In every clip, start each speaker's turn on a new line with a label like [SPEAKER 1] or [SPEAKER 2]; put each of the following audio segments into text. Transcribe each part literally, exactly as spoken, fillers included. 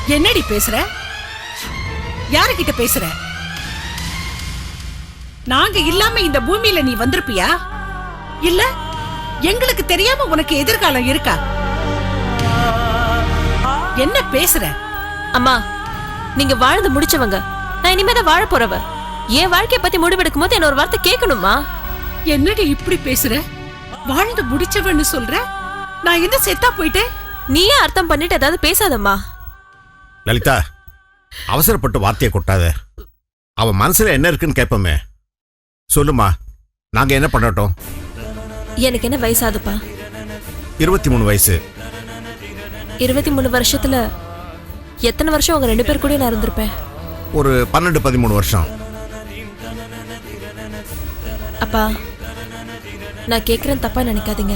[SPEAKER 1] என்னடி பேசுற? யாருகிட்ட பேசுற? நாங்க இல்லாம இந்த பூமியில நீ வந்திருப்பியா? இல்ல எங்களுக்கு தெரியாம உனக்கு எதிர்காலம் இருக்கா? என்ன பேசுற?
[SPEAKER 2] அம்மா, நீங்க வாழ்ந்து முடிச்சவங்க. நான் இனிமேதான் வாழ போறவ. என் வாழ்க்கைய பத்தி முடிவெடுக்கும் போது என்ன ஒரு வார்த்தை கேட்கணுமா?
[SPEAKER 1] என்னடி இப்படி பேசுற? வாழ்ந்து முடிச்சவன்னு சொல்ற? நான் என்ன செத்தா போயிட்டேன்?
[SPEAKER 2] நீயே அர்த்தம் பண்ணிட்டு ஏதாவது பேசாதம்மா.
[SPEAKER 3] லலிதா, அவசரப்பட்டு வார்த்தையை கொட்டாத. அவன் மனசுல என்ன இருக்குன்னு கேட்போமே. சொல்லுமா, நாங்க என்ன பண்ணட்டும்?
[SPEAKER 2] எனக்கு என்ன வயசாதுப்பா?
[SPEAKER 3] இருபத்தி மூணு வயசு.
[SPEAKER 2] இருபத்தி மூணு வருஷத்துல எத்தனை வருஷம் உங்க ரெண்டு பேர் கூட நான் இருந்திருப்பேன்?
[SPEAKER 3] ஒரு பன்னெண்டு பதிமூணு வருஷம்.
[SPEAKER 2] அப்பா, நான் கேட்கறேன், தப்பா நினைக்காதீங்க.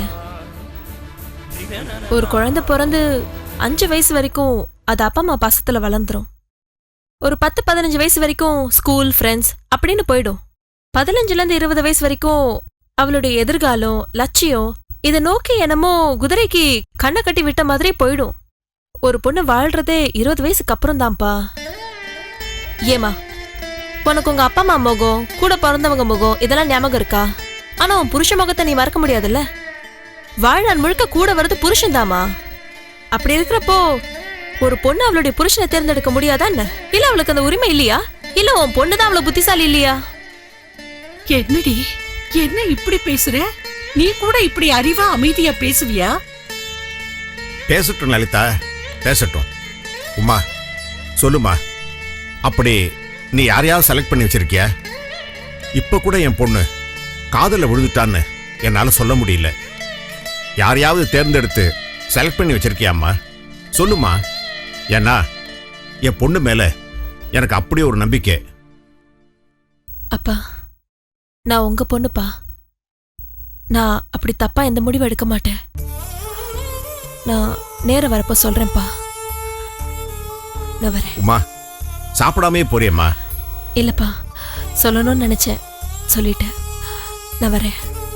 [SPEAKER 2] ஒரு குழந்தை பிறந்து அஞ்சு வயசு வரைக்கும் அது அப்பா அம்மா பாசத்துல வளர்ந்துரும். ஒரு பத்து பதினஞ்சு வயசு வரைக்கும் ஸ்கூல் ஃப்ரெண்ட்ஸ் அப்படின்னு போயிடும். பதினஞ்சுல இருந்து இருபது வயசு வரைக்கும் அவளுடைய எதிர்காலம், லட்சியம் இதை நோக்கி என்னமோ குதிரைக்கு கண்ணை கட்டி விட்ட மாதிரி போயிடும். ஒரு பொண்ணு வாழ்றதே இருபது வயசுக்கு அப்புறம் தான்ப்பா. ஏமா, உனக்கு உங்க அப்பா அம்மா முகம், கூட பிறந்தவங்க முகம் இதெல்லாம் ஞாபகம் இருக்கா? ஆனா உன் புருஷ முகத்தை நீ மறக்க முடியாதுல்ல. வாழ்நாள் முழுக்க கூட வர்றது புருஷன் தாமா. அப்படி இருக்கிறப்போ ஒரு பொண்ணு அவளுடைய புருஷனை தேர்ந்தெடுக்க முடியாதா என்ன? இல்ல அவளுக்கு அந்த உரிமை இல்லையா? இல்ல உன் பொண்ணுதான் அவ்வளவு புத்திசாலி இல்லையா?
[SPEAKER 1] என்னடி என்ன இப்படி பேசுற? நீ கூட இப்படி அறிவா அமைதியா பேசுவியா?
[SPEAKER 3] பேசட்டும் லலிதா, பேசட்டும். உமா, சொல்லுமா, அப்படி நீ யாரையாவது செலக்ட் பண்ணி வச்சிருக்கியா? இப்ப கூட என் பொண்ணு காதல விழுந்துட்டான்னு என்னால சொல்ல முடியல. யாரையாவது தேர்ந்தெடுத்து செலக்ட் பண்ணி வச்சிருக்கியாம்மா? சொல்லுமா. ஏன்னா என் பொண்ணு மேல எனக்கு அப்படி ஒரு நம்பிக்கை.
[SPEAKER 2] அப்பா, நான் உங்க பொண்ணுப்பா. நான் அப்படி தப்பா எந்த முடிவு எடுக்க மாட்டேன். நான் நேர வரப்போ சொல்றேன்ப்பா. நான் வரேன்.
[SPEAKER 3] உமா, சாப்பிடாமே போறியம்மா?
[SPEAKER 2] இல்லப்பா, சொல்லணும்னு நினைச்சேன், சொல்லிட்டேன். நான் வரேன்.